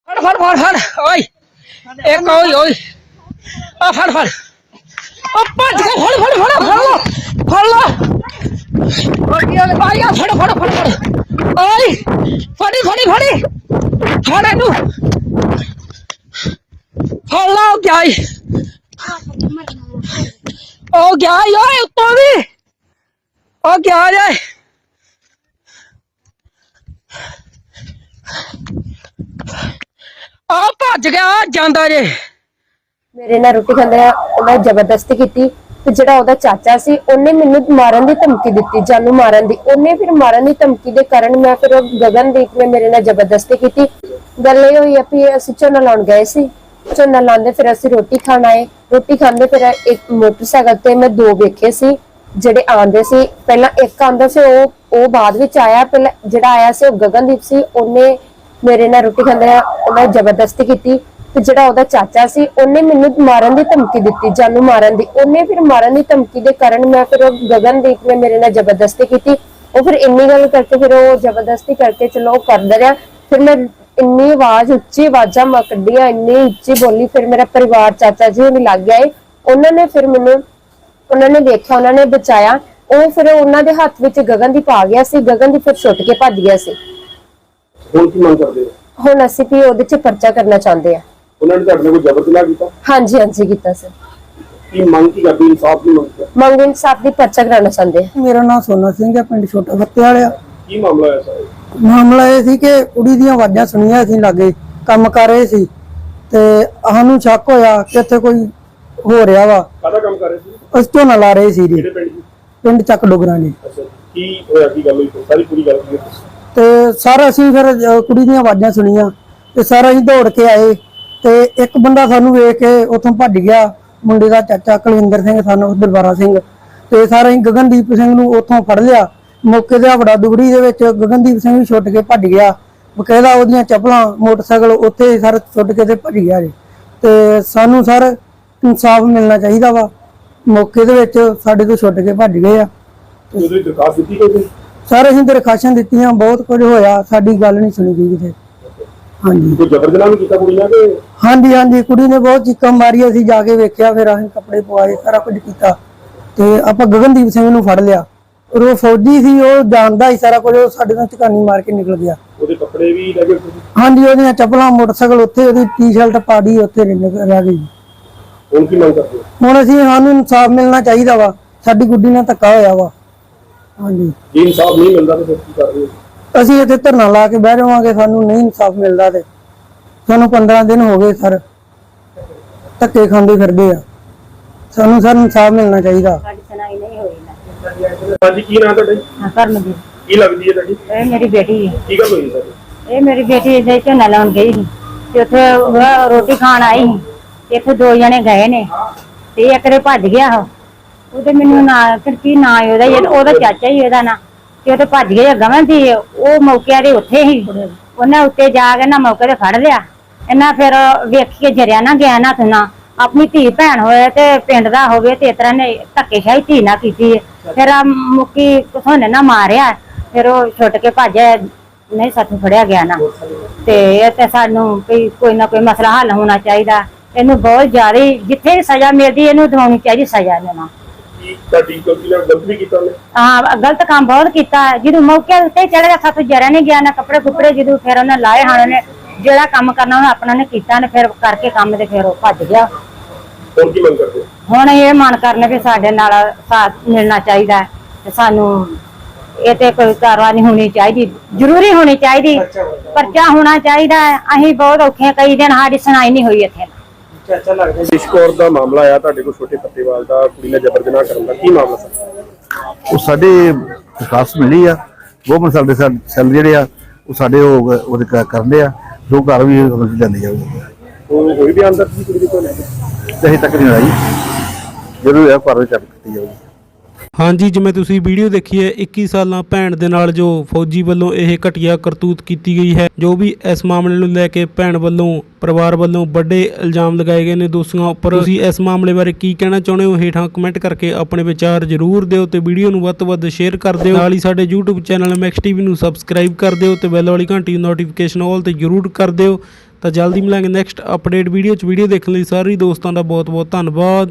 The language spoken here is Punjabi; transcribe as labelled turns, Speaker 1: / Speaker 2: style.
Speaker 1: फड़ फड़ फड़ फड़ ओए एक ओए ओए आ फड़ फड़ ओ पांच का फड़ फड़ फड़ लो आया फड़ फड़ फड़ फड़ ओए फड़ी फड़ी फड़ी फड़ नु फड़ लो क्या ओ क्या ओए ऊपर भी ओ क्या जाए आ भज गया जांदा जे
Speaker 2: ਮੇਰੇ ਨਾਲ ਰੋਟੀ ਖਾਂਦੇ ਆ ਉਹਨਾਂ ਜ਼ਬਰਦਸਤੀ ਕੀਤੀ ਤੇ ਜਿਹੜਾ ਉਹਦਾ ਚਾਚਾ ਸੀ ਉਹਨੇ ਮੈਨੂੰ ਮਾਰਨ ਦੀ ਧਮਕੀ ਦਿੱਤੀ, ਜਾਨੂ ਮਾਰਨ ਦੀ। ਉਹਨੇ ਫਿਰ ਮਾਰਨ ਦੀ ਧਮਕੀ ਦੇ ਕਾਰਨ ਮੈਂ ਫਿਰ ਗਗਨਦੀਪ ਨੇ ਮੇਰੇ ਨਾਲ ਜ਼ਬਰਦਸਤੀ ਕੀਤੀ। ਗੱਲ ਇਹ ਹੋਈ ਆ ਵੀ ਅਸੀਂ ਝੋਨਾ ਲਾਉਣ ਗਏ ਸੀ, ਝੋਨਾ ਲਾਉਂਦੇ ਫਿਰ ਅਸੀਂ ਰੋਟੀ ਖਾਣ ਆਏ। ਰੋਟੀ ਖਾਂਦੇ ਫਿਰ ਇੱਕ ਮੋਟਰਸਾਈਕਲ ਤੇ ਮੈਂ ਦੋ ਵੇਖੇ ਸੀ ਜਿਹੜੇ ਆਂਦੇ ਸੀ। ਪਹਿਲਾਂ ਇੱਕ ਆਂਦਾ ਸੀ, ਉਹ ਬਾਅਦ ਵਿੱਚ ਆਇਆ। ਪਹਿਲਾਂ ਜਿਹੜਾ ਆਇਆ ਸੀ ਉਹ ਗਗਨਦੀਪ ਸੀ। ਉਹਨੇ ਮੇਰੇ ਨਾਲ ਰੋਟੀ ਖਾਂਦੇ ਆ ਉਹਨਾਂ ਜ਼ਬਰਦਸਤੀ ਕੀਤੀ ਤੇ ਜਿਹੜਾ ਉਹਦਾ ਚਾਚਾ ਸੀ ਉਹਨੇ ਮੈਨੂੰ ਮਾਰਨ ਦੀ ਧਮਕੀ ਦਿੱਤੀ, ਜਾਨੂ ਮਾਰਨ ਦੀ। ਉਹਨੇ ਫਿਰ ਮਾਰਨ ਦੀ ਧਮਕੀ ਦੇ ਕਾਰਨ ਮੈਂ ਫਿਰ ਗਗਨਦੀਪ ਨੇ ਮੇਰੇ ਨਾਲ ਜ਼ਬਰਦਸਤੀ ਕੀਤੀ। ਉਹ ਫਿਰ ਇੰਨੀ ਗੱਲ ਕਰਕੇ ਫਿਰ ਉਹ ਜ਼ਬਰਦਸਤੀ ਕਰਕੇ ਚਲੋ ਉਹ ਕਰਦਾ ਰਿਹਾ। ਫਿਰ ਮੈਂ ਇੰਨੀ ਆਵਾਜ਼ ਉੱਚੀ ਆਵਾਜ਼ਾਂ ਮੈਂ ਕੱਢੀਆਂ, ਇੰਨੀ ਉੱਚੀ ਬੋਲੀ। ਫਿਰ ਮੇਰਾ ਪਰਿਵਾਰ ਚਾਚਾ ਜੀ ਵੀ ਲੱਗ ਗਏ। ਉਹਨਾਂ ਨੇ ਫਿਰ ਮੈਨੂੰ ਉਹਨਾਂ ਨੇ ਦੇਖਿਆ, ਉਹਨਾਂ ਨੇ ਬਚਾਇਆ। ਉਹ ਫਿਰ ਉਹਨਾਂ ਦੇ ਹੱਥ ਵਿੱਚ ਗਗਨਦੀਪ ਆ ਗਿਆ ਸੀ। ਗਗਨਦੀਪ ਫਿਰ ਛੁੱਟ ਕੇ ਭੱਜ ਗਿਆ ਸੀ।
Speaker 3: ਹੁਣ ਕੀ ਮੰਗ ਕਰਦੇ ਹੋ?
Speaker 2: ਹੁਣ ਅਸੀਂ ਵੀ ਉਹਦੇ 'ਚ ਪਰਚਾ ਕਰਨਾ ਚਾਹੁੰਦੇ ਆ।
Speaker 3: ਉਹਨਾਂ ਨੇ ਤੁਹਾਡੇ ਨਾਲ ਕੋਈ ਜ਼ਬਰ ਜਨਾਹ ਕੀਤਾ?
Speaker 2: ਹਾਂਜੀ ਹਾਂਜੀ ਕੀਤਾ ਸਰ।
Speaker 3: ਕੀ ਮੰਗ ਕੀ ਕਰਦੇ? ਇਨਸਾਫ ਦੀ
Speaker 2: ਮੰਗ ਇਨਸਾਫ ਦੀ ਪਰਚਾ ਕਰਾਉਣਾ ਚਾਹੁੰਦੇ ਆ।
Speaker 4: ਮੇਰਾ ਨਾਮ ਸੋਨਾ ਸਿੰਘ ਹੈ, ਪਿੰਡ ਛੋਟਾ ਫੱਤੇ ਵਾਲਿਆ।
Speaker 3: ਕੀ ਮਾਮਲਾ ਹੈ ਸਰ?
Speaker 4: ਮਾਮਲਾ ਇਹ ਸੀ ਕਿ ਕੁੜੀ ਦੀਆਂ ਆਵਾਜ਼ਾਂ ਸੁਣੀਆਂ, ਅਸੀਂ ਲਾਗੇ ਕੰਮ ਕਰ ਰਹੇ ਸੀ ਤੇ ਸਾਨੂੰ ਸ਼ੱਕ ਹੋਇਆ ਕਿ ਇੱਥੇ ਕੋਈ ਹੋ ਰਿਹਾ ਵਾ।
Speaker 3: ਕਾਹਦਾ ਕੰਮ ਕਰ ਰਹੇ ਸੀ?
Speaker 4: ਅਸੀਂ ਝੋਨਾ ਲਾ ਰਹੇ ਸੀ ਜੀ,
Speaker 3: ਕਿਹੜੇ ਪਿੰਡ ਦੀ?
Speaker 4: ਪਿੰਡ ਚੱਕ ਡੋਗਰਾਂ ਜੀ।
Speaker 3: ਅੱਛਾ, ਕੀ ਹੋਇਆ? ਕੀ ਗੱਲ ਹੋਈ? ਸਾਰੀ ਪੂਰੀ ਗੱਲ ਕੀ ਹੈ?
Speaker 4: ਤੇ ਸਾਰਾ ਅਸੀਂ ਫਿਰ ਕੁੜੀ ਦੀਆਂ ਆਵਾਜ਼ਾਂ ਸੁਣੀਆਂ ਤੇ ਸਾਰਾ ਅਸੀਂ ਦੌੜ ਕੇ ਆਏ ਤੇ ਇੱਕ ਬੰਦਾ ਸਾਨੂੰ ਵੇਖ ਕੇ ਉੱਥੋਂ ਭੱਜ ਗਿਆ। ਮੁੰਡੇ ਦਾ ਚਾਚਾ ਕੁਲਵਿੰਦਰ ਸਿੰਘ, ਸਾਨੂੰ ਦਲਬਾਰਾ ਸਿੰਘ। ਤੇ ਸਾਰਾ ਅਸੀਂ ਗਗਨਦੀਪ ਸਿੰਘ ਨੂੰ ਉੱਥੋਂ ਫੜ ਲਿਆ। ਮੌਕੇ ਤੇ ਵੜਾ ਦੁਗੜੀ ਦੇ ਵਿੱਚ ਗਗਨਦੀਪ ਸਿੰਘ ਵੀ ਛੁੱਟ ਕੇ ਭੱਜ ਗਿਆ। ਬਕਾਇਦਾ ਉਹਦੀਆਂ ਚੱਪਲਾਂ, ਮੋਟਰਸਾਈਕਲ ਉੱਥੇ ਸਰ ਛੁੱਟ ਕੇ ਤੇ ਭੱਜ ਗਿਆ ਜੀ। ਤੇ ਸਾਨੂੰ ਸਰ ਇਨਸਾਫ ਮਿਲਣਾ ਚਾਹੀਦਾ ਵਾ। ਮੌਕੇ ਦੇ ਵਿੱਚ ਸਾਡੇ ਤੋਂ ਛੁੱਟ ਕੇ ਭੱਜ ਗਏ ਆ।
Speaker 3: ਉਹਦੀ ਦਰਖਾਸਤ ਦਿੱਤੀ ਕੋਈ?
Speaker 4: ਸਰ ਅਸੀਂ ਦਰਖਾਸ਼ਾਂ ਦਿੱਤੀਆਂ, ਬਹੁਤ ਕੁਝ ਹੋਇਆ, ਸਾਡੀ ਗੱਲ ਨਹੀਂ ਸੁਣੀ ਗਈ ਕਿਤੇ। ਹਾਂਜੀ,
Speaker 3: ਕੋਈ ਜ਼ਬਰ ਜਨਾਹ ਵੀ ਕੀਤਾ ਕੁੜੀ ਨਾਲ ਕਿ?
Speaker 4: ਹਾਂਜੀ ਹਾਂਜੀ, ਕੁੜੀ ਨੇ ਬਹੁਤ ਚੀਕਾਂ ਮਾਰੀਆਂ। ਅਸੀਂ ਜਾ ਕੇ ਵੇਖਿਆ, ਫਿਰ ਅਸੀਂ ਕੱਪੜੇ ਪਵਾਏ, ਸਾਰਾ ਕੁਝ ਕੀਤਾ ਤੇ ਆਪਾਂ ਗਗਨਦੀਪ ਸਿੰਘ ਨੂੰ ਫੜ ਲਿਆ। ਔਰ ਉਹ ਫੌਜੀ ਸੀ, ਉਹ ਜਾਣਦਾ ਹੀ ਸਾਰਾ ਕੁਝ। ਉਹ ਸਾਡੇ ਨਾਲ ਝਕਾਨੀ ਮਾਰ ਕੇ ਨਿਕਲ ਗਿਆ।
Speaker 3: ਉਹਦੇ ਕੱਪੜੇ ਵੀ ਲੈ ਗਏ?
Speaker 4: ਹਾਂਜੀ, ਉਹਦੀਆਂ ਚੱਪਲਾਂ, ਮੋਟਰਸਾਈਕਲ ਉੱਥੇ, ਉਹਦੀ ਟੀ-ਸ਼ਰਟ ਪਾੜੀ ਉੱਥੇ ਰਹਿ ਗਈ।
Speaker 3: ਹੁਣ ਕੀ ਮੰਗ ਕਰਦੇ ਹੋ?
Speaker 4: ਹੁਣ ਸਾਨੂੰ ਇਨਸਾਫ ਮਿਲਣਾ ਚਾਹੀਦਾ ਵਾ। ਸਾਡੀ ਗੁੱਡੀ ਨਾਲ ਧੱਕਾ ਹੋਇਆ ਵਾ। ਹਾਂਜੀ,
Speaker 3: ਜੇ ਇਨਸਾਫ ਨਹੀਂ ਮਿਲਦਾ ਤਾਂ ਫਿਰ ਕੀ ਕਰ ਰਹੇ ਹੋ?
Speaker 4: ਅਸੀਂ ਇੱਥੇ ਧਰਨਾ ਲਾ ਕੇ ਬਹਿ ਜਾਵਾਂਗੇ। ਸਾਨੂੰ ਨਹੀਂ ਇਨਸਾਫ ਮਿਲਦਾ ਤੇ ਸਾਨੂੰ 15 ਦਿਨ ਹੋ ਗਏ ਸਰ, ਧੱਕੇ ਖਾਂਦੇ ਫਿਰਦੇ ਆ। ਸਾਨੂੰ ਸਰ ਇਨਸਾਫ ਮਿਲਣਾ ਚਾਹੀਦਾ।
Speaker 3: ਹਾਂਜੀ, ਕੀ ਨਾਮ ਤੁਹਾਡਾ?
Speaker 5: ਕਰਮਜੀਤ।
Speaker 3: ਕੀ ਲੱਗਦੀ ਹੈ ਤੁਹਾਡੀ?
Speaker 5: ਇਹ ਮੇਰੀ ਬੇਟੀ ਹੈ।
Speaker 3: ਕੀ ਗੱਲ ਹੋਈ ਸਰ?
Speaker 5: ਇਹ ਮੇਰੀ ਬੇਟੀ ਇਹਦੇ ਝੋਨਾ ਲਾਉਣ ਗਈ ਸੀ ਤੇ ਉੱਥੇ ਉਹ ਰੋਟੀ ਖਾਣ ਆਈ ਸੀ ਤੇ ਇੱਥੇ ਦੋ ਜਣੇ ਗਏ ਨੇ ਤੇ ਇੱਕ ਦੇ ਭੱਜ ਗਿਆ ਉਹਦੇ ਮੈਨੂੰ ਨਾ ਫਿਰ ਕੀ ਨਾਂ ਉਹਦਾ ਚਾਚਾ ਹੀ ਉਹਦਾ ਨਾਂ ਤੇ ਉਹ ਤੇ ਭੱਜ ਗਿਆ। ਗਵਨ ਸੀ ਉਹ ਮੌਕੇ ਦੇ ਉੱਥੇ ਹੀ। ਉਹਨੇ ਉੱਤੇ ਜਾ ਕੇ ਨਾ ਮੌਕੇ ਤੇ ਫੜ ਲਿਆ। ਇਹਨਾਂ ਫਿਰ ਵੇਖ ਕੇ ਜਰਿਆ ਨਾ ਗਿਆ ਨਾ ਸੁਣਾ ਆਪਣੀ ਧੀ ਭੈਣ ਹੋਏ ਤੇ ਪਿੰਡ ਦਾ ਹੋਵੇ ਤੇ ਇਸ ਤਰ੍ਹਾਂ ਨੇ ਧੱਕੇਸ਼ਾਹੀ ਧੀ ਨਾ ਕੀਤੀ। ਫਿਰ ਮੁੱਕੀ ਸੋਨੇ ਨਾ ਮਾਰਿਆ। ਫਿਰ ਉਹ ਛੁੱਟ ਕੇ ਭੱਜਿਆ, ਨਹੀਂ ਸਾਥੋਂ ਫੜਿਆ ਗਿਆ ਨਾ। ਤੇ ਇਹ ਤੇ ਸਾਨੂੰ ਕੋਈ ਨਾ ਕੋਈ ਮਸਲਾ ਹੱਲ ਹੋਣਾ ਚਾਹੀਦਾ। ਇਹਨੂੰ ਬਹੁਤ ਜ਼ਿਆਦਾ ਜਿੱਥੇ ਵੀ ਸਜ਼ਾ ਮਿਲਦੀ ਇਹਨੂੰ ਦਿਵਾਉਣੀ ਚਾਹੀਦੀ ਸਜ਼ਾ। ਇਹਨਾਂ
Speaker 3: ਗਲਤ ਵੀ ਕੀਤਾ ਉਹਨੇ?
Speaker 5: ਹਾਂ, ਗਲਤ ਕੰਮ ਬਹੁਤ ਕੀਤਾ। ਜਦੋਂ ਮੌਕੇ ਉੱਤੇ ਚੜ੍ਹ ਗਿਆ, ਸਾਥੋਂ ਜਰਿਆ ਨਹੀਂ ਗਿਆ ਨਾ ਕੱਪੜੇ ਕੁਪੜੇ। ਜਦੋਂ ਫਿਰ ਉਹਨੇ ਲਾਏ ਹਨ, ਉਹਨੇ ਜਿਹੜਾ ਕੰਮ ਕਰਨਾ ਉਹਨੇ ਆਪਣਾ ਨੇ ਕੀਤਾ ਨੇ। ਫਿਰ ਕਰਕੇ ਕੰਮ ਤੇ ਫਿਰ ਉਹ ਭੱਜ ਗਿਆ।
Speaker 3: ਹੁਣ ਕੀ ਮੰਗ ਕਰਦੇ?
Speaker 5: ਹੁਣ ਇਹ ਮਨ ਕਰਨੇ ਵੀ ਸਾਡੇ ਨਾਲ ਸਾਥ ਮਿਲਣਾ ਚਾਹੀਦਾ ਤੇ ਸਾਨੂੰ ਇਹ ਤੇ ਕੋਈ ਕਾਰਵਾਈ ਹੋਣੀ ਚਾਹੀਦੀ, ਜ਼ਰੂਰੀ ਹੋਣੀ ਚਾਹੀਦੀ। ਪਰਚਾ ਹੋਣਾ ਚਾਹੀਦਾ। ਅਸੀਂ ਬਹੁਤ ਔਖੇ, ਕਈ ਦਿਨ ਸਾਡੀ ਸੁਣਾਈ ਨਹੀਂ ਹੋਈ ਇੱਥੇ।
Speaker 3: ਵਿਸ਼ਕੌਰ ਦਾ ਮਾਮਲਾ ਆਇਆ ਤੁਹਾਡੇ ਕੋਲ, ਛੋਟੇ ਪੱਤੇਵਾਲ ਦਾ, ਕੁੜੀ ਨਾਲ ਜ਼ਬਰ ਜਨਾਹ ਕਰਨ ਦਾ। ਕੀ ਮਾਮਲਾ ਸਰ?
Speaker 6: ਉਹ ਸਾਡੇ ਦਰਖਾਸਤ ਮਿਲੀ ਆ। ਗਵਰਨਮੈਂਟ ਸਾਡੇ ਸੈੱਲ ਜਿਹੜੇ ਆ ਉਹ ਸਾਡੇ ਉਹਦੇ ਕਰਦੇ ਆ, ਜੋ ਘਰ ਵੀ ਜਾਂਦੀ ਜਾਊਗੀ।
Speaker 3: ਉਹ ਕੋਈ ਵੀ ਅੰਦਰ ਸੀ ਕੁੜੀ ਦੇ ਕੋਲ?
Speaker 6: ਅਜੇ ਤੱਕ ਨਹੀਂ ਆਈ, ਜਦੋਂ ਇਹ ਘਰ ਵਿੱਚ ਚੱਕ ਕੀਤੀ ਜਾਊਗੀ।
Speaker 7: ਹਾਂਜੀ, ਜਿਵੇਂ ਤੁਸੀਂ ਵੀਡੀਓ ਦੇਖੀ ਹੈ, 21 ਸਾਲਾਂ ਭੈਣ ਦੇ ਨਾਲ ਜੋ ਫੌਜੀ ਵੱਲੋਂ ਇਹ ਘਟੀਆ ਕਰਤੂਤ ਕੀਤੀ ਗਈ ਹੈ। ਜੋ ਵੀ ਇਸ ਮਾਮਲੇ ਨੂੰ ਲੈ ਕੇ ਭੈਣ ਵੱਲੋਂ, ਪਰਿਵਾਰ ਵੱਲੋਂ ਵੱਡੇ ਇਲਜ਼ਾਮ ਲਗਾਏ ਗਏ ਨੇ ਦੋਸ਼ੀਆਂ ਉੱਪਰ। ਤੁਸੀਂ ਇਸ ਮਾਮਲੇ ਬਾਰੇ ਕੀ ਕਹਿਣਾ ਚਾਹੁੰਦੇ ਹੋ? ਹੇਠਾਂ ਕਮੈਂਟ ਕਰਕੇ ਆਪਣੇ ਵਿਚਾਰ ਜ਼ਰੂਰ ਦਿਓ ਤੇ ਵੀਡੀਓ ਨੂੰ ਵੱਧ ਤੋਂ ਵੱਧ ਸ਼ੇਅਰ ਕਰ ਦਿਓ। ਨਾਲ ਹੀ ਸਾਡੇ YouTube ਚੈਨਲ ਮੈਕਸ ਟੀਵੀ ਨੂੰ ਸਬਸਕ੍ਰਾਈਬ ਕਰ ਦਿਓ ਤੇ ਬੈਲ ਵਾਲੀ ਘੰਟੀ ਨੋਟੀਫਿਕੇਸ਼ਨ ਆਲ ਤੇ ਜ਼ਰੂਰ ਕਰ ਦਿਓ ਤਾਂ ਜਲਦੀ ਮਿਲਾਂਗੇ ਨੈਕਸਟ ਅਪਡੇਟ ਵੀਡੀਓ 'ਚ। ਵੀਡੀਓ ਦੇਖਣ ਲਈ ਸਾਰੇ ਦੋਸਤਾਂ ਦਾ ਬਹੁਤ ਬਹੁਤ ਧੰਨਵਾਦ।